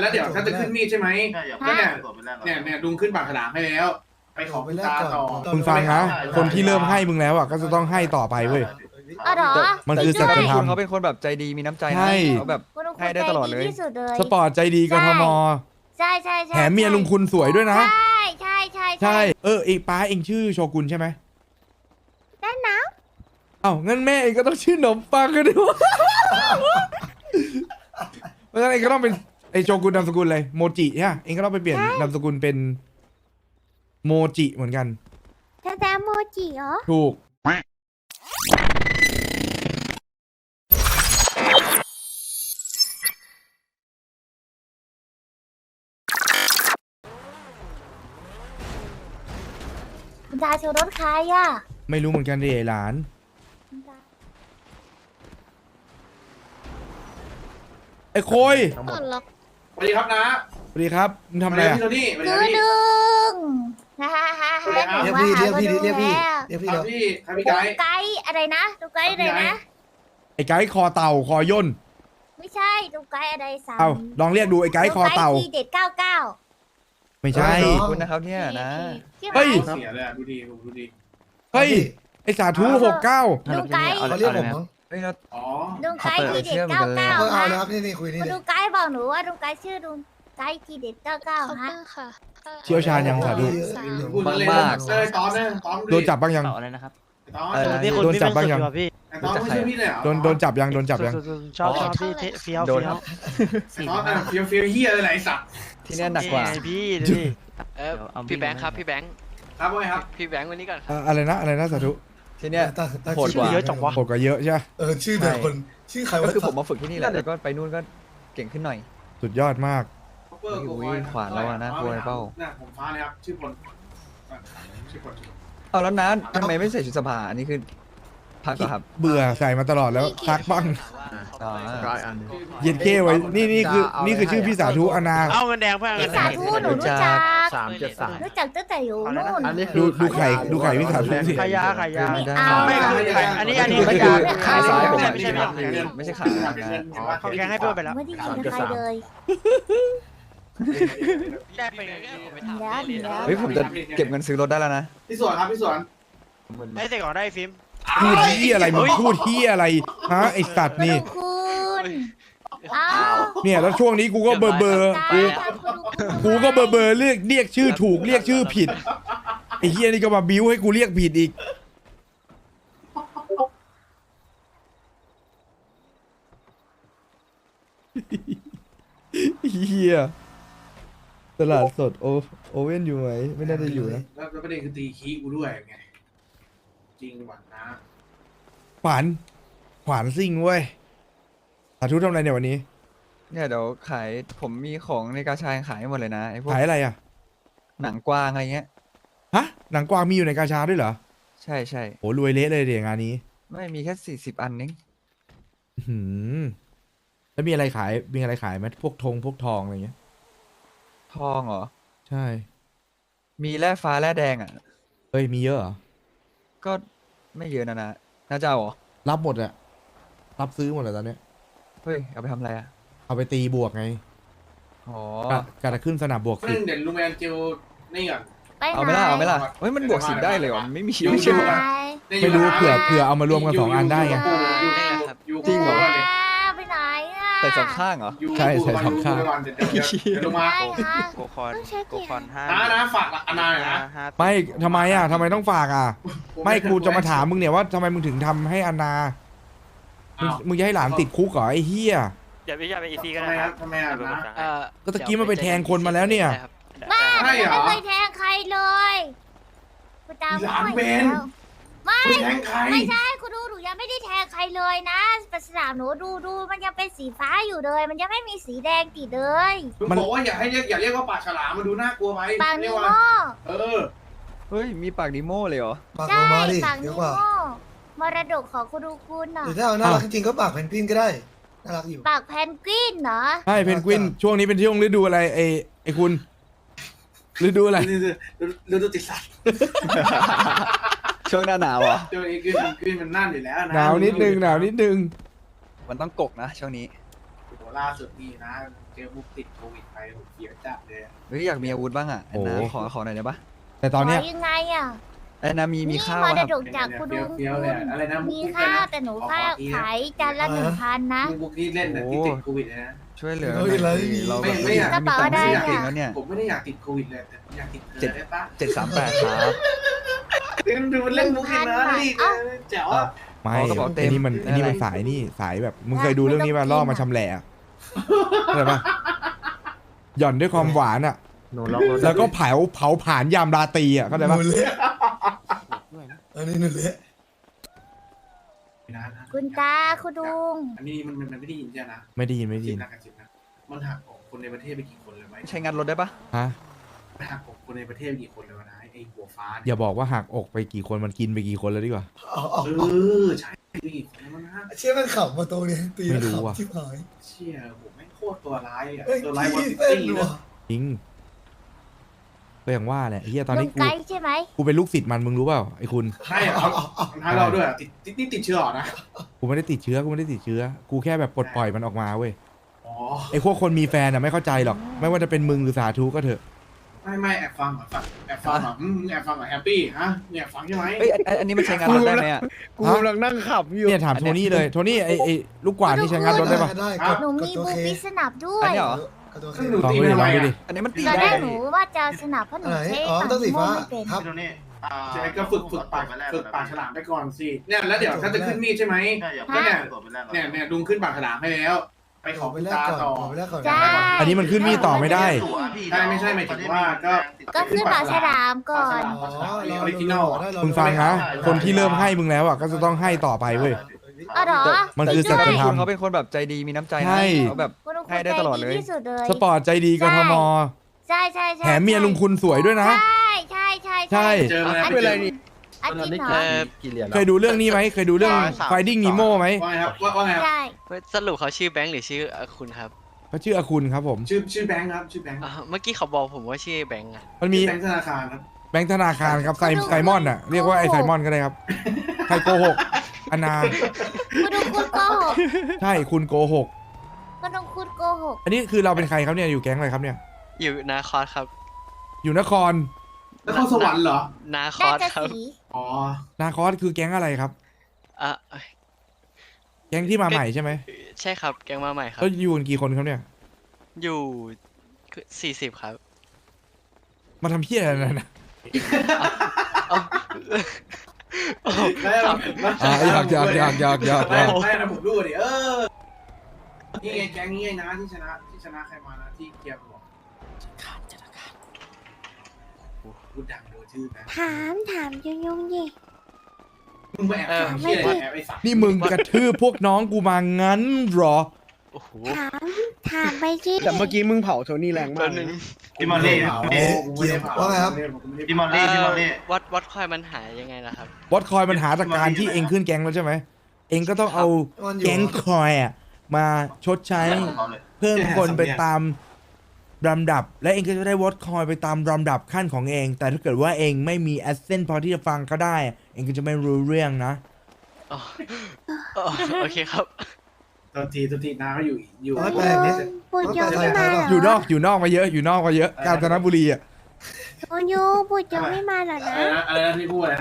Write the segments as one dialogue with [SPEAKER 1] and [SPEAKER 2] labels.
[SPEAKER 1] แล้วเดี๋ยวถ้าจะขึ้นมีดใช่ไหม
[SPEAKER 2] ใช่อย่า
[SPEAKER 1] ก็
[SPEAKER 2] เพิ่ง
[SPEAKER 1] เนี่ย
[SPEAKER 2] ตัวไปแรก
[SPEAKER 1] เนี่ยลุงขึ้นปากฉลามให้แล้ว ไปขอคุณตาต่อ
[SPEAKER 3] มึงฟังนะคนที่เริ่มให้มึงแล้วอ่ะก็จะต้องให้ต่อไปเว้ย
[SPEAKER 4] อ๋อเหรอ
[SPEAKER 3] มันคือสัจธรรม
[SPEAKER 5] เขาเป็นคนแบบใจดีมีน้ำใจ
[SPEAKER 3] ใช่
[SPEAKER 5] นะเขาแบบ
[SPEAKER 4] คุณลุง
[SPEAKER 5] ให้ได้ตลอดเลย
[SPEAKER 4] ที่สุดเลย
[SPEAKER 3] สปอร์ตใจดีกทม
[SPEAKER 4] ใช่ใช่ใช่
[SPEAKER 3] แถมเมียลุงคุณสวยด้วยนะ
[SPEAKER 4] ใช่ใช่ใช่
[SPEAKER 3] ใช่เองป้าเองชื่อโชกุนใช่ไหม
[SPEAKER 4] ได้นะ
[SPEAKER 3] เอ้างั้นแม่เองก็ต้องชื่อหนมปังกันด้วยเพราะฉะนั้นเองก็ต้องเป็นไอโชกุนนามสกุลเลยโมจิใช่ไหมเองก็ต้องไปเปลี่ยนนามสกุลเป็นโมจิเหมือนกัน
[SPEAKER 4] แท้ๆโมจิเหรอ
[SPEAKER 3] ถูก
[SPEAKER 4] คุณตาโชว์รถใครอ่ะ
[SPEAKER 3] ไม่รู้เหมือนกันดิไอ้หลาน
[SPEAKER 4] คุณตา
[SPEAKER 3] ไอ้โคย
[SPEAKER 1] สวัสดีครับนะ
[SPEAKER 3] สวัสดีครับมึงทำอะไรอะ
[SPEAKER 1] พี่โทนี่สวัสดี
[SPEAKER 4] ดู
[SPEAKER 1] ครับพี่
[SPEAKER 4] ดึงฮ่าฮ่าฮ่า
[SPEAKER 1] เรียก
[SPEAKER 4] พี่
[SPEAKER 1] พี่
[SPEAKER 4] เรียกพี่
[SPEAKER 1] ครับพี่ครับพี่
[SPEAKER 4] ดู
[SPEAKER 1] ไกด์
[SPEAKER 4] ไกด์อะไรนะดูไกด์อะไรนะ
[SPEAKER 3] ไอ้ไก่คอเต่าคอย่น
[SPEAKER 4] ไม่ใช่ดูไกด์อะไรสาม
[SPEAKER 3] เอาลองเรียกดูไอ้ไก่คอเต่า
[SPEAKER 4] ดูไกด์ทีเด็ด99
[SPEAKER 3] ไม่ใช่
[SPEAKER 5] ขอบคุณนะครับเนี่ยนะ
[SPEAKER 4] ชื่อ
[SPEAKER 3] เฮ้ย
[SPEAKER 4] อะไร
[SPEAKER 1] เสียเลยอะดูดีดูดี
[SPEAKER 3] เฮ้ยไอ้สาธุ69
[SPEAKER 4] ดูไกด์
[SPEAKER 6] เขาเรียกผมมั้ง
[SPEAKER 5] เฮ้ยเรา
[SPEAKER 1] อ๋อ
[SPEAKER 4] ดูไกด์ทีเด็ด
[SPEAKER 6] เออเอา
[SPEAKER 4] 99
[SPEAKER 6] นะค
[SPEAKER 4] ฮะ
[SPEAKER 6] รับนี่คุยนี่
[SPEAKER 4] คุณ
[SPEAKER 6] เล
[SPEAKER 4] ดู
[SPEAKER 6] ย
[SPEAKER 4] ไกด์บอกหนูว่าดูไกด์ชื่อดูไกด์ทีเด็ด99ฮะ
[SPEAKER 7] ค่ะ
[SPEAKER 3] เชี่ยวชาญยังสาธุ
[SPEAKER 1] พูดเล่นเลยตอนเนี่ยตอน
[SPEAKER 3] โดนจับบ้างยัง
[SPEAKER 5] อะไรนะครับ
[SPEAKER 1] ตอน
[SPEAKER 3] โดนจับบ้างยัง
[SPEAKER 1] ตอนไม่ช่วยพี่เลยเหรอ
[SPEAKER 3] โดนจับยังโดนจับยัง
[SPEAKER 7] ชอบพี่เฟี้ยว
[SPEAKER 5] โดนครับ
[SPEAKER 1] ตอนเฟี้ยวเฮียอะไรสัตว์
[SPEAKER 5] ที่เนี่ยหนักกว่า
[SPEAKER 7] พี่ดูดิ
[SPEAKER 8] พี่แบงค์ครับพี่แบงค์
[SPEAKER 1] ครับว่าไงครับ
[SPEAKER 8] พี่แบงค์วันนี้ก่อน
[SPEAKER 3] อะไรนะสาธุ
[SPEAKER 5] ที่เนี่ย โหดกว่า
[SPEAKER 7] เยอะจังวะ
[SPEAKER 3] โหดกว่าเยอะใช่ไหม
[SPEAKER 6] ชื่อเดียวคนชื่อใคร
[SPEAKER 5] ก็
[SPEAKER 6] วะ
[SPEAKER 5] คือผมมาฝึกที่นี่แหละแล้วก็ไปนู่นก็เก่งขึ้นหน่อย
[SPEAKER 3] สุดยอดมาก
[SPEAKER 1] ผมฟ้าเลยครับชื่อพลชื่อพล
[SPEAKER 5] เอาแล้วนะทำไมไม่ใส่ชุดสภาอันนี้คือพักเหรอครับ
[SPEAKER 3] เบื่อใส่มาตลอดแล้วซักบ้าง
[SPEAKER 5] อ๋อ
[SPEAKER 3] เย็นเก้ไว้นี่คือชื่อพี่สาธุอนา
[SPEAKER 7] เอาเงินแดงเพื่อน
[SPEAKER 4] พี่สาธุหนูรู้จัก
[SPEAKER 7] 373
[SPEAKER 4] รู้จักตั้งแต่อยู่นู่น
[SPEAKER 3] ดูไข่พี่สาธุสิ
[SPEAKER 7] ขายาขายา
[SPEAKER 5] ไม่ได้
[SPEAKER 7] ไม่อันนี้
[SPEAKER 5] ไม่คือขายซ้ายผม
[SPEAKER 7] ไม่ใช่ไม่ใช่
[SPEAKER 5] ไม่ใช่ขายนะ
[SPEAKER 7] เขาแกงให้เพื่อนไปแล้ว
[SPEAKER 4] ไม่ได้ยินกับใครเลย
[SPEAKER 7] แลกไป
[SPEAKER 4] แล้ว
[SPEAKER 5] เฮ้ยผมจะเก็บเงินซื้อรถได้แล้วนะ
[SPEAKER 1] พี่สวนครับพี่สวน
[SPEAKER 7] ให้เสกก่อนได้ฟิล์ม
[SPEAKER 3] พูดที่อะไรมึงพูดที่อะไรฮะไอสัตว์นี่
[SPEAKER 4] คุณอ้าว
[SPEAKER 3] เนี่ยแล้วช่วงนี้กูก็เบอร์กูก็เบอร์เรียกชื่อถูกเรียกชื่อผิดไอ้เฮียนี่ก็มาบิ้วให้กูเรียกผิดอีกเฮียตลาดสดโอเว่นอยู่ไหมไม่น่าจะอยู่นะ
[SPEAKER 1] แล้วประเด็นคือตีคีกูด้วยไงจริงหวัดนะ
[SPEAKER 3] ขวานซิ่งเว้ยสาธุทำอะไรเนี่ยวันนี้
[SPEAKER 5] เนี่ยเดี๋ยวขายผมมีของในกาชาขายหมดเลยนะไอ้พวก
[SPEAKER 3] ขายอะไรอ่ะ
[SPEAKER 5] หนังกวางอะไรเงี้ย
[SPEAKER 3] ฮะหนังกวางมีอยู่ในกาชาด้วยเหรอ
[SPEAKER 5] ใช่ใช่
[SPEAKER 3] โหรวยเละเลยเดี๋ยวงานนี้
[SPEAKER 5] ไม่มีแค่40 อันนึง
[SPEAKER 3] หืมแล้วมีอะไรขายไหมพวกทองอะไรเงี้ย
[SPEAKER 5] ทองเหรอ
[SPEAKER 3] ใช่
[SPEAKER 5] มีแร่ฟ้าแร่แดงอ่ะ
[SPEAKER 3] เฮ้ยมีเยอะเหรอ
[SPEAKER 5] ก็ไม่เยอะนะน่าจะเอาเหรอ
[SPEAKER 3] รับหมดอะรับซื้อหมดเลยตอนเนี้ย
[SPEAKER 5] เฮ้ยเอาไปทำอะไรอ่ะ
[SPEAKER 3] เอาไปตีบวกไง
[SPEAKER 5] อ๋อ
[SPEAKER 3] กะจะขึ้นสนามบวก
[SPEAKER 1] ซึ่
[SPEAKER 3] สิ
[SPEAKER 1] งเดี๋ยวลุงแมนเจลนี่ก่อน
[SPEAKER 4] ไป
[SPEAKER 5] เอาไหมล่ะเฮ้ยมันบวก10ได้เลยเหรอไม่มี
[SPEAKER 1] อยู่
[SPEAKER 5] ไม่ใช่เหรอ
[SPEAKER 3] ไม่รู้เผื่อเอามารวมกัน2อันได้ไง
[SPEAKER 5] จริงเหรอ
[SPEAKER 4] ไปไหนอ่ะ
[SPEAKER 5] ใส่สองข้างเหรอ
[SPEAKER 3] ใช่ใส่สองข้าง
[SPEAKER 1] เดี๋ยวลงมา
[SPEAKER 4] ได้ค่ะ
[SPEAKER 7] โกคอนโกคอน5
[SPEAKER 1] นะฝากอนาหน่อยนะ
[SPEAKER 3] ไม่ทำไมอ่ะทำไมต้องฝากอ่ะ ไม่กูจะมาถามมึงเนี่ยว่าทำไมมึงถึงทำให้อาณามึงจะให้หลานติดคุกเหรอไอ้เฮีย
[SPEAKER 7] อย่าไปอีซีก็
[SPEAKER 1] ทำ
[SPEAKER 7] ได้
[SPEAKER 1] ไมค
[SPEAKER 7] ค
[SPEAKER 1] รั
[SPEAKER 7] รั
[SPEAKER 1] บบ ทำไมอ่ะนะ
[SPEAKER 3] ก็ตะกี้มันไปแทงคนมาแล้วเนี่ย
[SPEAKER 4] บ้า
[SPEAKER 1] ใช่เหรอ
[SPEAKER 4] ไม่เคยแทงใครเลยคุณตา
[SPEAKER 1] หลาน
[SPEAKER 4] ไม่
[SPEAKER 1] เบน
[SPEAKER 4] ไม่
[SPEAKER 1] ไปแทงใคร
[SPEAKER 4] ไม่ใช่คุณดูหนูยังไม่ได้แทงใครเลยนะปัสนามหนูดูมันยังเป็นสีฟ้าอยู่เลย มันยังไม่มีสีแดงติดเลย
[SPEAKER 1] มันบอกว่าอย่าเรียกว่าปากฉลามมาดูน่ากลัวไหม
[SPEAKER 4] ปากนิโม
[SPEAKER 1] เออ
[SPEAKER 5] เฮ้ยมีปากดิโม่เลยเหรอ
[SPEAKER 6] ปาก
[SPEAKER 4] ใช่
[SPEAKER 6] โลมาดิ
[SPEAKER 4] ปาก
[SPEAKER 6] เย
[SPEAKER 4] นิ
[SPEAKER 6] อะ
[SPEAKER 4] โม
[SPEAKER 6] กว่าม
[SPEAKER 4] รดกของคุณดูคุณน่ะ
[SPEAKER 6] หรือถ้าเอาน่ารักจริงๆก็ปากเพนกวินก็ได้น่ารักอยู่
[SPEAKER 4] ปากแพนกวินเหรอ
[SPEAKER 3] ใช่เพนกวินช่วงนี้เป็นช่วงฤดูอะไรไอ้คุณฤดูอะไร
[SPEAKER 1] ฤดูติดสัตว์
[SPEAKER 5] ช่วงหน้าหนาวเหรอ
[SPEAKER 1] ช่วงนี้ขึ้นมันนั่นอยู่แล้วนะ
[SPEAKER 3] หนาวนิดนึง
[SPEAKER 5] มันต้องกกนะช่วงนี้
[SPEAKER 1] โหล่าสุดนี่นะเจอบุกติดโควิดไปผมเสียจัดเลย
[SPEAKER 5] เฮ้ยอยากมีอาวุธบ้างอ่ะแอนนา
[SPEAKER 3] โอ้
[SPEAKER 5] ขอหน่อยได้ปะ
[SPEAKER 3] แต่ตอนเนี้ย
[SPEAKER 4] ขยังไงอ่ะ
[SPEAKER 5] แอนนามี
[SPEAKER 4] นี่
[SPEAKER 5] ข้าว
[SPEAKER 4] มร
[SPEAKER 5] อะครับ
[SPEAKER 4] ดกจากคุณลุง
[SPEAKER 1] เฟี้ยวๆเลยอะไรนะ
[SPEAKER 4] มีข้าวแต่หนูค่าขายจานละ1,000นะ
[SPEAKER 1] บุกที่เล่นน่ะที่ติดโควิดนะ
[SPEAKER 5] ช่วยเหลือ
[SPEAKER 6] เฮ้ยอะไร
[SPEAKER 5] เราแบบ
[SPEAKER 1] ไม่อยาก
[SPEAKER 4] กระเป๋าอะไร
[SPEAKER 5] ม่
[SPEAKER 4] อะ
[SPEAKER 5] มีตังค์จริงๆแล้วเนี่ย
[SPEAKER 1] ผมไม่ได้อยากติดโควิดเลยแต่อยากติดเธอได้ปะ
[SPEAKER 5] 738ครับ
[SPEAKER 1] ดูเล่นมุกอีกนะนี่แจ๋วอ่ะ
[SPEAKER 3] ไม่
[SPEAKER 5] อ๋อกระเป๋าเต็ม
[SPEAKER 3] ไอ้นี่มันไอ้นี่มัน
[SPEAKER 5] อะไร
[SPEAKER 3] สายนี่สายแบบมึงเคยดูเรื่องนี้ป่ะล่อมาชำแหละอะเข้าใจปะหย่อนด้วยความหวานอ่ะ
[SPEAKER 2] หนูล็อกรถ
[SPEAKER 3] แล้วก็เผาผ่านยามราตรีอ่ะเข้าใจปะ
[SPEAKER 6] หนูเละอันนี้หนูเละ
[SPEAKER 4] คุณตาคุณลุง
[SPEAKER 1] อันนี้มันไม่ได้ยินใช่ไหมนะ
[SPEAKER 3] ไม่ได้ยินไม่ได้ยิน
[SPEAKER 1] กระจิบนะมันหักอกคนในประเทศไปกี่คนเลยไหม
[SPEAKER 5] ใช้งานรถได้ปะ
[SPEAKER 3] ฮะ
[SPEAKER 1] หักอกคนในประเทศไปกี่คนเลยวะนะไอ้หัวฟ้า
[SPEAKER 3] อย่าบอกว่าหักอกไปกี่คนมันกินไปกี่คนแล้วดีกว่า
[SPEAKER 6] เอา
[SPEAKER 1] ใช่กี่คนแล้วนะ
[SPEAKER 6] เชี่ยมันขับมาตรงนี้ตี
[SPEAKER 3] ไม่
[SPEAKER 6] แล้ว
[SPEAKER 3] รู้
[SPEAKER 6] ขับ
[SPEAKER 3] ว่ะ
[SPEAKER 6] ชิบหาย
[SPEAKER 1] เชี่ยผมไม่โคตรตัวร้ายอ่ะ
[SPEAKER 6] เอ้ย
[SPEAKER 1] ตัวร้ายวัน
[SPEAKER 6] ขี้
[SPEAKER 1] ซิ
[SPEAKER 6] เต้น
[SPEAKER 1] ตี้
[SPEAKER 6] ว่ะ
[SPEAKER 1] นะ
[SPEAKER 3] จริงก็อย่างว่าแหละไอ้เฮียตอน
[SPEAKER 4] ลุ
[SPEAKER 3] นี้
[SPEAKER 4] ง
[SPEAKER 3] กู
[SPEAKER 4] ไกด์ใช่ไหม
[SPEAKER 3] กูเป็นลูกศิษย์มันมึงรู้เปล่าไอ้คุณ
[SPEAKER 1] ใช่เหรอท้ายเราด้วยติดเชื้อนะ
[SPEAKER 3] กูไม่ได้ติดเชื้อกูไม่ได้ติดเชื้อกูแค่แบบปลดปล่อยมันออกมาเว้ย
[SPEAKER 1] อ๋อ
[SPEAKER 3] ไอ้พวกคนมีแฟนอ่ะไม่เข้าใจหรอกไม่ว่าจะเป็นมึงหรือสาธุก็เถอะ
[SPEAKER 1] ไม่แอบฟังเหรอแอบฟังเหรอแอบฟังเหรอแฮปปี้ฮะเนี่ยแอบฟังใช่ไหม
[SPEAKER 5] เอ้ยอันนี้มันใช้งานรถได้ไหมอ่ะ
[SPEAKER 2] กูกำลังนั่งขับอยู่
[SPEAKER 3] เนี่ยถามโทนี่เลยโทนี่ไอ้ลูกกวาดนี่ใช้งานรถได้ปะ
[SPEAKER 6] ได้
[SPEAKER 4] หนูมี
[SPEAKER 6] ตัว
[SPEAKER 4] บู
[SPEAKER 6] เค
[SPEAKER 4] ปิสนับด้ว
[SPEAKER 5] อัน
[SPEAKER 4] ย
[SPEAKER 5] นี้เหรอ
[SPEAKER 6] กับตัวเค
[SPEAKER 1] หนู
[SPEAKER 3] ลอง
[SPEAKER 1] ตี
[SPEAKER 3] ดูดิ
[SPEAKER 1] ทำ
[SPEAKER 3] ล
[SPEAKER 1] ไม
[SPEAKER 3] องดูดิ
[SPEAKER 1] อ่ะ
[SPEAKER 5] อันนี้มันตี
[SPEAKER 4] ตอนแร
[SPEAKER 5] ได้
[SPEAKER 4] กหนูว่าจะสนับเพราะหนู
[SPEAKER 6] ไหน
[SPEAKER 4] ใช้
[SPEAKER 6] อ๋อ
[SPEAKER 4] ตัง
[SPEAKER 6] ต้องสี
[SPEAKER 4] ค์ม่ว
[SPEAKER 6] ฟ้าง
[SPEAKER 4] ไม่เป็น
[SPEAKER 6] ครับ
[SPEAKER 1] ใช่ก็ฝึกปากฉลามไปก่อนสิเนี่ยแล้วเดี๋ยวถ้าจะขึ้นมีดใช่ไหมก็เนี่ยลุงขึ้นปากฉลามให้แล้ว ไปขอ
[SPEAKER 6] ไป
[SPEAKER 1] คุณ
[SPEAKER 6] แรก
[SPEAKER 1] ตา
[SPEAKER 6] ก่อน
[SPEAKER 1] ต่อ
[SPEAKER 6] ขอไปแรกก่อน
[SPEAKER 4] จ้า
[SPEAKER 3] อันนี้มันขึ้นมีดต่อไม่ได้
[SPEAKER 1] ใช่ไม่ใช่หมายถึงว่าก็
[SPEAKER 4] ก็ขึ้นปากฉลามก่อน
[SPEAKER 6] อ๋อ
[SPEAKER 1] ออริจินอล
[SPEAKER 3] มึงฟังนะคนที่เริ่มให้มึงแล้วอ่ะก็จะต้องให้ต่อไปเว้ย
[SPEAKER 4] อ๋อเหรอ
[SPEAKER 3] มันคือสัจธรรม
[SPEAKER 5] คุณเขาเป็นคนแบบใจดีมีน้ำใจ
[SPEAKER 3] ใช่
[SPEAKER 5] นะเขาแบบ
[SPEAKER 4] คุณลุง
[SPEAKER 5] ให้ได้ตลอดเลย
[SPEAKER 4] ที่สุดเลย
[SPEAKER 3] สปอร์ตใจดีกทม
[SPEAKER 4] ใช่ใช่ใช่
[SPEAKER 3] แถมเมียลุงคุณสวยด้วยนะ
[SPEAKER 4] ใช่ใช่ใช่
[SPEAKER 3] ใช่
[SPEAKER 1] เจอมาแล้ว
[SPEAKER 2] เป็นไรนี่
[SPEAKER 4] อาทิตย์เหรอ
[SPEAKER 2] กี่เหรียญ
[SPEAKER 3] เคยดูเรื่องนี้ไหมเคยดูเรื่อง Finding Nemo ไหม
[SPEAKER 1] ว่าไงครับว่าไงครับ
[SPEAKER 4] ใช่
[SPEAKER 8] สรุปเขาชื่อแบงค์หรือชื่อคุณครับ
[SPEAKER 3] เขาชื่ออาคุณครับผม
[SPEAKER 1] ชื่อแบงค์ครับชื่อแบงค์
[SPEAKER 8] เมื่อกี้เขาบอกผมว่าชื่อแบงค์อะ
[SPEAKER 3] มันมี
[SPEAKER 1] แบงค์ธนาคารครับ
[SPEAKER 3] แบงค์ธนาคารครับไซมอนอ่ะเรียกว่าไอไซมอนก็ได้ครับใครโกหกอนา
[SPEAKER 4] คุณลุงคุณโกหก
[SPEAKER 3] ใช่คุณโกหก
[SPEAKER 4] คุณลุงคุณโกหก
[SPEAKER 3] อันนี้คือเราเป็นใครครับเนี่ยอยู่แก๊งอะไรครับเนี่ย
[SPEAKER 8] อยู่นาคอสครับ
[SPEAKER 3] อยู่นคร
[SPEAKER 1] แล้วเข้าสวรรค์เหรอ
[SPEAKER 8] นาค
[SPEAKER 4] น่า
[SPEAKER 8] อส
[SPEAKER 4] จะ
[SPEAKER 8] ครับ
[SPEAKER 4] สี
[SPEAKER 1] อ๋อ
[SPEAKER 3] นาคอสคือแก๊งอะไรครับ
[SPEAKER 8] อ่ะ
[SPEAKER 3] แก๊งที่มาใหม่ใช่ไหม
[SPEAKER 8] ใช่ครับแกงมาใหม่ครับ
[SPEAKER 3] แล้วอยู่กันกี่คนครับเนี่ย
[SPEAKER 8] อยู่40ครับ
[SPEAKER 3] มาทำเพี้ยอะไรนะ
[SPEAKER 1] ไม่นะผมดูดินี่ไงแก๊งนี้ไงนะที่ชนะใครมานะที่เกียร์บอกพูดดังโดนชื่อนะ
[SPEAKER 4] ถามยุ่งดิ
[SPEAKER 1] มึงไปแอบถามที่อะไรแอบไอ้สัตว์
[SPEAKER 3] นี่มึงกระทืบพวกน้องกูมางั้นเหรอ
[SPEAKER 8] โอ้โห
[SPEAKER 4] ถามไปที่
[SPEAKER 2] แต่เมื่อกี้มึงเผาโทนี่แรงมา
[SPEAKER 8] แป๊
[SPEAKER 2] ก
[SPEAKER 8] บนึง
[SPEAKER 1] พี่มอลลี่พี่มอลลี่
[SPEAKER 8] วัดคอยมันหายยังไงล่ะครับ
[SPEAKER 3] วอตคอยมันหาจากการที่เองขึ้นแก๊งแล้วใช่ไหมเองก็ต้องเอาแก๊งคอยอ่ะมาชดใช้เพิ่มคนไปตามลำดับ และเองก็จะได้วอตคอยไปตามลำดับขั้นของเอง แต่ถ้าเกิดว่าเองไม่มีแอสเซนต์พอที่จะฟังเขาได้ เองก็จะไม่รู้เรื่องนะ
[SPEAKER 8] อ๋อโอเคครับ
[SPEAKER 1] ตอนทีน้าเขาอยู่
[SPEAKER 4] ปุยโยไม่มาเหรอ
[SPEAKER 3] อยู่นอกมาเยอะอยู่นอกมาเยอะกาญจนบุรีอ่ะ
[SPEAKER 4] ปุยโยไม่มาเหรอนะ
[SPEAKER 1] อะไรนะที่พูดอะไรนะ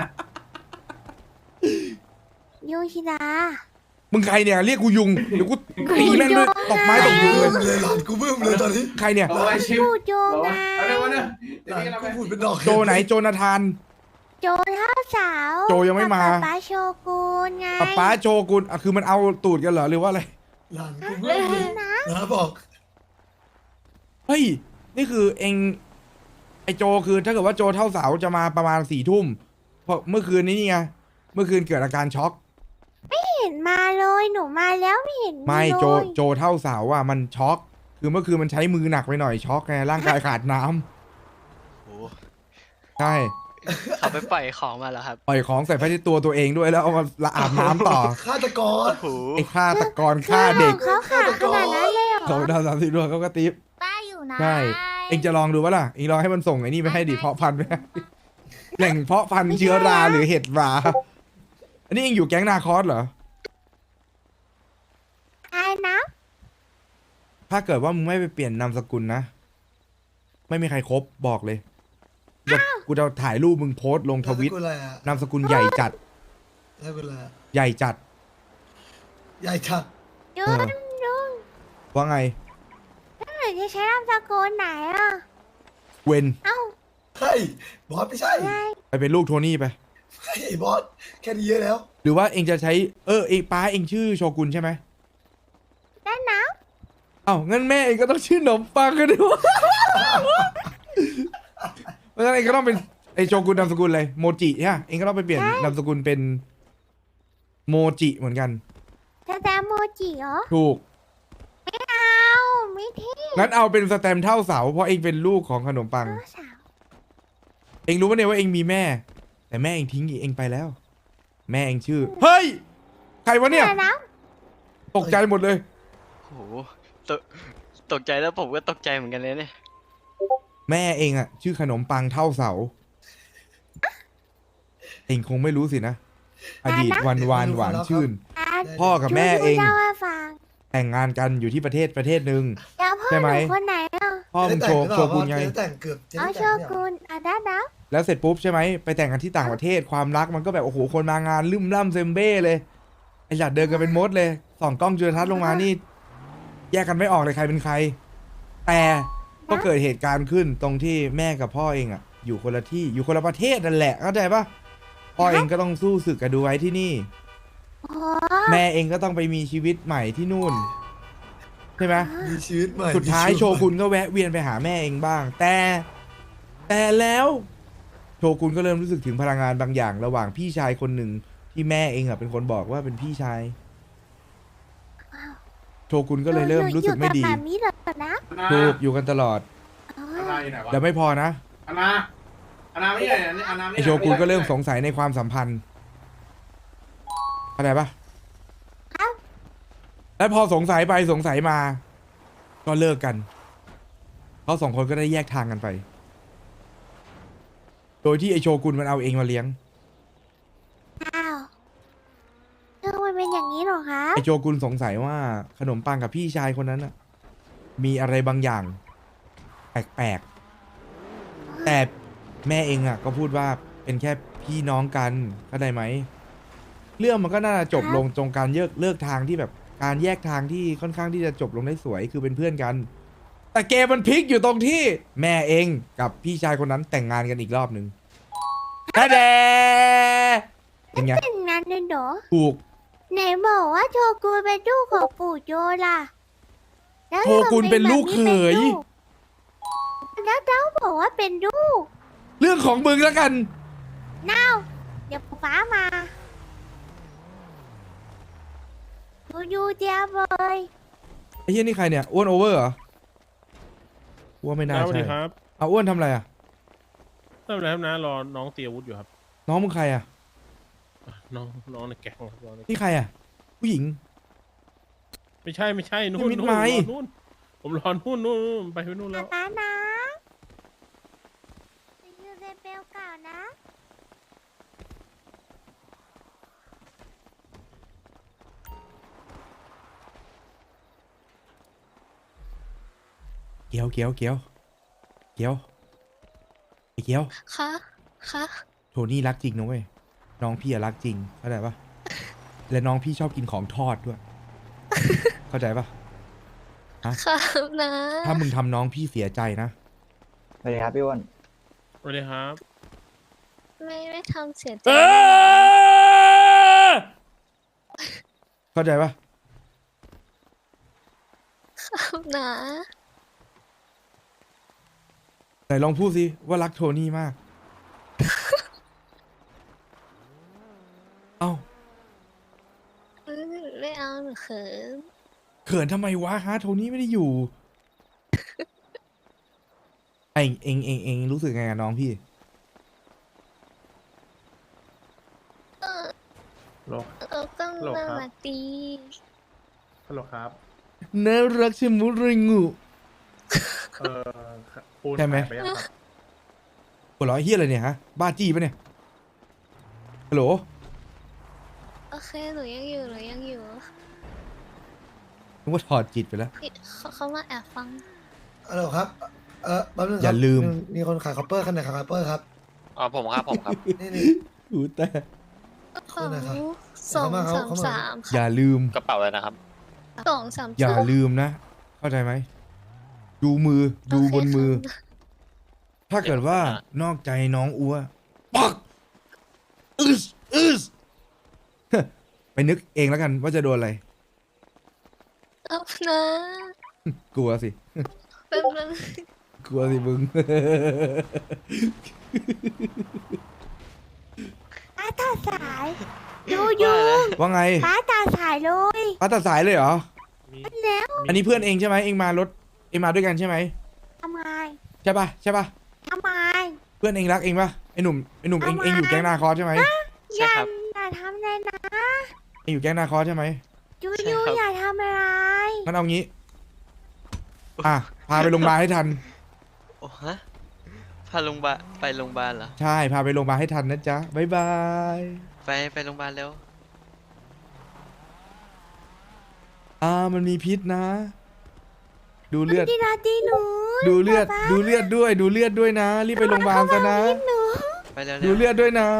[SPEAKER 4] โยชิดา
[SPEAKER 3] มึงใครเนี่ยเรียกกูยุงเดี๋ยวกูตีแม่งด้วยตบไม้ตบยุง
[SPEAKER 6] บึ้
[SPEAKER 3] เลย
[SPEAKER 6] มเลยหลานกูบึ้มเลยตอนนี้
[SPEAKER 3] ใครเนี่ย
[SPEAKER 1] บอกว่าชิม
[SPEAKER 4] ปุยโย
[SPEAKER 1] บอก
[SPEAKER 4] ไง
[SPEAKER 1] ว่าเอาเดี๋ยวเดี๋ยว
[SPEAKER 6] หลาน
[SPEAKER 1] นี้เรา
[SPEAKER 6] กู
[SPEAKER 1] ไป
[SPEAKER 6] พูดเป็นดอก
[SPEAKER 3] โจไหนโจนาธาน
[SPEAKER 4] โจเท่าสาว
[SPEAKER 3] โจยังไม่มา
[SPEAKER 4] ป้าโชกุนไง
[SPEAKER 3] ป๊าโจกุลอ่ะคือมันเอาตูดกันเหรอหรือว่าอะไร
[SPEAKER 6] หลานกูบึ้มเลยนะบอก
[SPEAKER 3] เฮ้ยนี่คือเองไอโจคือถ้าเกิดว่าโจเท่าเสาจะมาประมาณ4 ทุ่มเพราะเมื่อคืนนี้นี่ไงเมื่อคืนเกิดอาการช็อก
[SPEAKER 4] เห็นมาเลยหนูมาแล้วไม่เห็น
[SPEAKER 3] ไม่โจ
[SPEAKER 4] เลย
[SPEAKER 3] โจเท่าเสาอ่ะมันช็อกคือเมื่อคืนมันใช้มือหนักไปหน่อยช็อกไงร่างกายขาดน้ำ
[SPEAKER 8] โอ้
[SPEAKER 3] ใช่
[SPEAKER 8] เขาไปปล่อยของมาแล้วครับ
[SPEAKER 3] ปล่อยของใส่ผ้าเช็ดตัวตัวเองด้วยแล้วเอามาละอาบน้ำต่อ
[SPEAKER 6] ฆาตกร
[SPEAKER 8] โอ้โห
[SPEAKER 3] ไอ้ฆาตกรฆ่าเด็ก
[SPEAKER 4] เขาขาดขนาดนั้นเลยเหรอ
[SPEAKER 3] เขาดาว30 ดวงเขาก็ติ๊บ
[SPEAKER 4] ป้าอยู่นะ
[SPEAKER 3] ใช่เองจะลองดูวะล่ะเองลองให้มันส่งไอ้นี่ไปให้ดิเพาะพันธุ์ไหมแหล่งเพาะพันธุ์เชื้อราหรือเห็ดราอันนี้เองอยู่แก๊งนาคอสเหรอ
[SPEAKER 4] ใครนะ
[SPEAKER 3] ใคถ้าเกิดว่ามึงไม่ไปเปลี่ยนนามสกุลนะ ไม่มีใครครบบอกเลยเดี๋ยวกูจะถ่ายรูปมึงโพสต์ลงทวิต
[SPEAKER 6] นามสกุลอะไรอ่ะ
[SPEAKER 3] นามสกุลใหญ่จัด
[SPEAKER 6] นามสกุลอะไรอะ
[SPEAKER 3] ใหญ่จัด
[SPEAKER 6] ใหญ่ชัด
[SPEAKER 4] ยุ
[SPEAKER 3] เออ
[SPEAKER 4] ลุง
[SPEAKER 3] ว่าไง
[SPEAKER 4] หรือจะใช้นามสกุลไหนอ่ะ
[SPEAKER 3] เวน
[SPEAKER 4] เอ้า
[SPEAKER 6] เฮ้ยบอสไม่ใช่
[SPEAKER 4] ไง
[SPEAKER 3] ไปเป็นลูกโทนี่ไป
[SPEAKER 6] เฮ้ยบอสแค่นี้เยอะแล้ว
[SPEAKER 3] หรือว่าเองจะใช้เองป้าเองชื่อโชกุนใช่ไหม
[SPEAKER 4] ได้นะ
[SPEAKER 3] เอ้างั้นแม่เองก็ต้องชื่อขนมปังกันดิวะ เพราะฉะนั้นเองก็ต้องเป็นไอโชกุนนามสกุลเลยโมจิใช่ไหมเองก็ต้องไปเปลี่ยนนามสกุลเป็นโมจิเหมือนกัน
[SPEAKER 4] จะแตมโมจิเหรอ
[SPEAKER 3] ถูก
[SPEAKER 4] เอาไม่เท่
[SPEAKER 3] งั้นเอาเป็นสแตมป์เท่าเสาเพราะเองเป็นลูกของขนมปัง
[SPEAKER 4] เจ้าสาว
[SPEAKER 3] เองรู้ปะเนี่ยว่าเองมีแม่ แต่แม่เองทิ้งเองไปแล้ว แม่เองชื่อ เฮ้ย ใครวะเนี่ย
[SPEAKER 4] แต่นะ
[SPEAKER 3] ตกใจหมดเลย
[SPEAKER 8] โอ้โหตกตกใจแล้วผมก็ตกใจเหมือนกันเลยเนี่ย
[SPEAKER 3] แม่เองอะชื่อขนมปังเท่าเสา เองคงไม่รู้สินะ อดีตวันวานหวานชื่น พ่อกับแม่เอง
[SPEAKER 4] เล่าให้ฟัง
[SPEAKER 3] แต่งงานกันอยู่ที่ประเทศหนึ่ง
[SPEAKER 4] แล้วพ่อ
[SPEAKER 3] ใช่
[SPEAKER 4] ห
[SPEAKER 3] ไหม
[SPEAKER 4] นูคนไหนอ่ะ
[SPEAKER 3] พ่อมึงโชกุนไง
[SPEAKER 6] จะแต่งเกือบจะ
[SPEAKER 4] เอา
[SPEAKER 6] ได้
[SPEAKER 4] โช
[SPEAKER 6] แต่งเนี่ย
[SPEAKER 4] กุนอ่ะได้นะ
[SPEAKER 3] แล้วเสร็จปุ๊บใช่ไหมไปแต่งกันที่ต่างประเทศความรักมันก็แบบโอ้โหคนมางานลืมล่ำเซมเบ้เลยไอ้หลัดเดินกันเป็นมดเลยส่องกล้องจุลทรรศน์ลงมานี่ แยกกันไม่ออกเลยใครเป็นใคร แต่ก็เกิดเหตุการณ์ขึ้นตรงที่แม่กับพ่อเองอะอยู่คนละที่อยู่คนละประเทศนั่นแหละเข้าใจปะพ่อเองก็ต้องสู้ศึกกับดูไว้ที่นี่
[SPEAKER 4] โอ้
[SPEAKER 3] แม่เองก็ต้องไปมีชีวิตใหม่ที่นู่นใช่ไหม
[SPEAKER 6] มีชีวิตใหม่
[SPEAKER 3] สุดท้ายโชกุนก็แวะเวียนไปหาแม่เองบ้าง แต่แล้วโชกุนก็เริ่มรู้สึกถึงพลังงานบางอย่าง ระหว่างพี่ชายคนหนึ่งที่แม่เองอ่ะเป็นคนบอกว่าเป็นพี่ชายโชกุนก็เลยเริ่มรู้สึกไม่ดี
[SPEAKER 4] อยู่กับแบบนี้เหรอนะ
[SPEAKER 3] ถูกอยู่กันตลอด
[SPEAKER 4] อ๋อ
[SPEAKER 1] อาณาอยู่ไหนวะ
[SPEAKER 3] แล้วไม่พอนะ
[SPEAKER 1] อาณาไม่ใช่อาณาไม่
[SPEAKER 3] ไอโชกุนก็เริ่มสงสัยในความสัมพันธ์เข้าใจปะแล้วพอสงสัยไปสงสัยมา ก็เลิกกันเขาสองคนก็ได้แยกทางกันไป โดยที่ไอโชกุนมันเอาเองมาเลี้ยง
[SPEAKER 4] อ้าวเรื่องมันเป็นอย่างนี้เหรอคะ
[SPEAKER 3] ไอโชกุนสงสัยว่าขนมปังกับพี่ชายคนนั้นน่ะมีอะไรบางอย่าง แปลกๆ แต่แม่เองอ่ะ ก็พูดว่าเป็นแค่พี่น้องกันเข้าใจไหม เรื่องมันก็น่าจะจบลงตรงการเลิกทางที่แบบการแยกทางที่ค่อนข้างที่จะจบลงได้สวยคือเป็นเพื่อนกัน แต่เกมมันพลิกอยู่ตรงที่แม่เองกับพี่ชายคนนั้นแต่งงานกันอีกรอบหนึ่งแท้แดเป็นไง
[SPEAKER 4] เป็นงานเลยเหรอ
[SPEAKER 3] ถูก
[SPEAKER 4] ไหนบอกว่าโชกุนเป็นลูกของปู่โจล่ะแล้ว
[SPEAKER 3] โชกุนเป็นลูกเขย
[SPEAKER 4] แล้วเจ้าบอกว่าเป็นลูก
[SPEAKER 3] เรื่องของมึงแล้วกัน
[SPEAKER 4] น้าวเดี๋ยวป๊ามาดูเจียบเลย
[SPEAKER 3] ไอ้เหี้ยนี่ใครเนี่ยอ้วนโอเวอร์เหรออ้วนไม่น่า
[SPEAKER 9] สวัส
[SPEAKER 3] ใช่
[SPEAKER 9] ดีครับ
[SPEAKER 3] เอาอ้วนทำอะไรอ่ะ
[SPEAKER 9] ไม่เป็นไรครับนะรอน้องเตรียมอาวุธอยู่ครับ
[SPEAKER 3] น้องมึงใครอ่ะ
[SPEAKER 9] น้องในแก๊งครับน้องใน
[SPEAKER 3] นี่ใครอ่ะ ผู้หญิง
[SPEAKER 9] ไม่ใช่นู่
[SPEAKER 3] นี่
[SPEAKER 9] น
[SPEAKER 3] มิด
[SPEAKER 9] นู่น
[SPEAKER 3] ไมค์
[SPEAKER 9] รอนู่นผมรอนู่นไปนู่นแล้ว
[SPEAKER 4] ป๊านะไปยูเรเบลเก่านะ
[SPEAKER 3] เกียวไอ้เกียว
[SPEAKER 8] คะคะ
[SPEAKER 3] โทนี่รักจริงนะเว้ยน้องพี่อะรักจริงเข้าใจปะและน้องพี่ชอบกินของทอดด้วย เข้าใจปะ
[SPEAKER 8] ครับนะ
[SPEAKER 3] ถ้ามึงทำน้องพี่เสียใจนะ
[SPEAKER 5] สวัสดีครับพี่อ้วน
[SPEAKER 9] สวัสดีครับ
[SPEAKER 8] ไม่ทำเสียใจ
[SPEAKER 3] เข้าใจปะ
[SPEAKER 8] ครับนะ
[SPEAKER 3] ไหนลองพูดสิว่ารักโทนี่มาก เอ้า
[SPEAKER 8] ไม่เอาหนูเขิน
[SPEAKER 3] เขินทำไมวะฮะโทนี่ไม่ได้อยู่ ไอเองรู้สึกไงกับน้องพี่
[SPEAKER 9] โล
[SPEAKER 8] ก็
[SPEAKER 9] หรอ
[SPEAKER 8] น่า
[SPEAKER 9] ครับ
[SPEAKER 8] รักดี
[SPEAKER 9] ฮัลโหลครับ
[SPEAKER 3] น่ารักชะมุดเลยงู
[SPEAKER 9] ปูน
[SPEAKER 3] ใช่ไหม
[SPEAKER 9] ายปยังครับ
[SPEAKER 3] หัวเราะเฮียอะไรเนี่ยฮะ บ้าจี้ปะเนี่ย ฮัลโหล
[SPEAKER 8] โอเคหนูยังอยู่
[SPEAKER 3] นึกว่าถอดจิตไปแล้ว
[SPEAKER 4] เขามาแอบฟัง
[SPEAKER 6] ฮัลโหลครับแป๊บนึงครับ
[SPEAKER 3] อย่าลืม
[SPEAKER 6] มีคนขายคอปเปอร์คันไหนขายคอปเปอร์ครับ
[SPEAKER 8] อ๋อผมครับผมครับ
[SPEAKER 6] นี่
[SPEAKER 3] หูแต่
[SPEAKER 6] คนไหนครับ
[SPEAKER 4] สอง
[SPEAKER 6] เขา
[SPEAKER 4] สาม
[SPEAKER 6] มา
[SPEAKER 4] สาม
[SPEAKER 3] อย่าลืม
[SPEAKER 8] กระเป๋าเลยนะครับ
[SPEAKER 4] สองสาม
[SPEAKER 3] อย่าลืมนะ เข้าใจไหม ดูมือ ดูบนมือ ถ้าเกิดว่านอกใจน้องอัวปักอึส ไปนึกเองแล้วกันว่าจะโดนอะไร
[SPEAKER 4] เอานะ
[SPEAKER 3] กลัวสิ
[SPEAKER 4] เป็นเรื่อง
[SPEAKER 3] กลัวสิมึง
[SPEAKER 4] ป้าตัดสายยูยู
[SPEAKER 3] ว่าไง
[SPEAKER 4] ป้าตัดสายเลย
[SPEAKER 3] ป้าตัดสายเลยเหรอ
[SPEAKER 4] แล้ว
[SPEAKER 3] อันนี้เพื่อนเองใช่ไหมเองมารถเองมาด้วยกันใช่ไหม
[SPEAKER 4] ทำไม
[SPEAKER 3] ใช่ปะใช่ปะ
[SPEAKER 4] ทำไม
[SPEAKER 3] เพื่อนเองรักเองปะไอหนุ่มเองอยู่แก๊งนาคอสใช่ไหม
[SPEAKER 8] ใช่ครับ
[SPEAKER 4] อย่าทำเลยนะ
[SPEAKER 3] เองอยู่แก๊งนาคอสใช่ไหม
[SPEAKER 4] ยู
[SPEAKER 8] ใช่
[SPEAKER 4] ยู
[SPEAKER 8] ครับ
[SPEAKER 4] อย่าทำอะไร
[SPEAKER 3] งั้นเอางี้ พาไปโรงพยาบาลให้ทัน
[SPEAKER 8] โอ้ฮะพาโรงพยาบาลไปโรงพยาบาลเหรอ
[SPEAKER 3] ใช่ พาไปโรงพยาบาลให้ทันนะจ๊ะ บ๊ายบาย
[SPEAKER 8] ไปโรงพยาบาลเร็ว
[SPEAKER 3] มันมีพิษนะ ดูเลือด
[SPEAKER 4] ดีนาตีหนู
[SPEAKER 3] ดูเลือดด้วยนะ รีบไปโรงพยาบาลซะนะ
[SPEAKER 4] หนู
[SPEAKER 8] ไปเร็ว
[SPEAKER 3] ดูเลือดด้วยนะ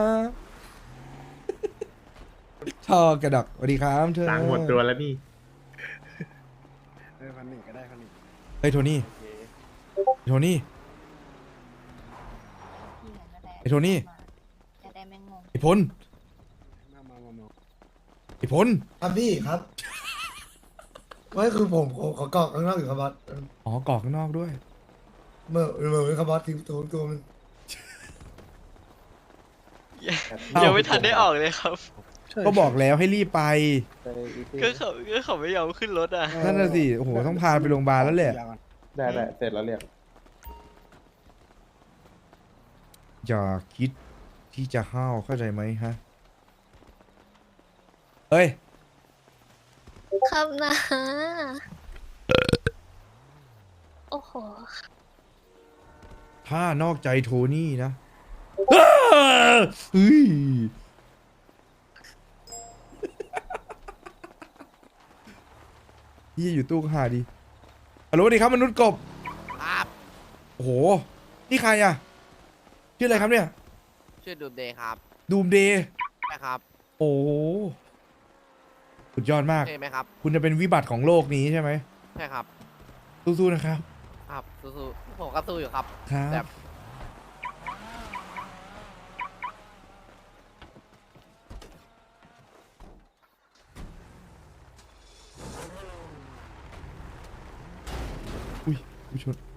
[SPEAKER 3] ชอกระดกสวัสดีครับเธอ
[SPEAKER 9] ตังค์หมดตัวแล้วนี่
[SPEAKER 2] 1,100ก็ได้1,100
[SPEAKER 3] เฮ้ยโทนี่ โทนี่ ไอ้โทนี่
[SPEAKER 4] จะได้ไม่งง
[SPEAKER 3] ไอ้พล ไอ้พล
[SPEAKER 6] ครับพี่ครับไม่คือผมขอกรอกข้างนอกอยู่ครับบอส
[SPEAKER 3] อ๋อกรอกข้างนอกด้วย
[SPEAKER 6] เมื่อครับบอสทิ้งตัวมัน
[SPEAKER 8] ยังไม่ทันได้ออกเลยครับ
[SPEAKER 3] ก็บอกแล้วให้รีบไป
[SPEAKER 8] ก็เขาไม่ยอมขึ้นรถอ่ะ
[SPEAKER 3] นั่นน่ะสิ โอ้โห ต้องพาไปโรงพยาบาลแล้วแหละ
[SPEAKER 9] ได้เสร็จแล้วเรียก
[SPEAKER 3] อย่าคิดที่จะห้าวเข้าใจไหมฮะ เฮ้ย
[SPEAKER 4] ครับนะโอ้โห
[SPEAKER 3] ถ้านอกใจโทนี่นะเฮ้ยยี่อยู่ตู้ก็หาดีฮัลโหลสวัสดีครับมนุษย์กบ
[SPEAKER 10] ครับ
[SPEAKER 3] โอ้โห นี่ใครอ่ะ ชื่ออะไรครับเนี่ย
[SPEAKER 10] ชื่อดูเดย์ครับ
[SPEAKER 3] ดูมเดย์
[SPEAKER 10] ใช่ครับ
[SPEAKER 3] โอ้โหสุดยอดมาก
[SPEAKER 10] ใช่ไหมครับ
[SPEAKER 3] คุณจะเป็นวิบัติของโลกนี้ใช่ไหม
[SPEAKER 10] ใช่ครับ
[SPEAKER 3] สู้ๆนะครับ
[SPEAKER 10] ครับสู้ๆผมก็สู้อยู่ครับ
[SPEAKER 3] ครับ
[SPEAKER 10] แต่
[SPEAKER 3] อุ้ยชน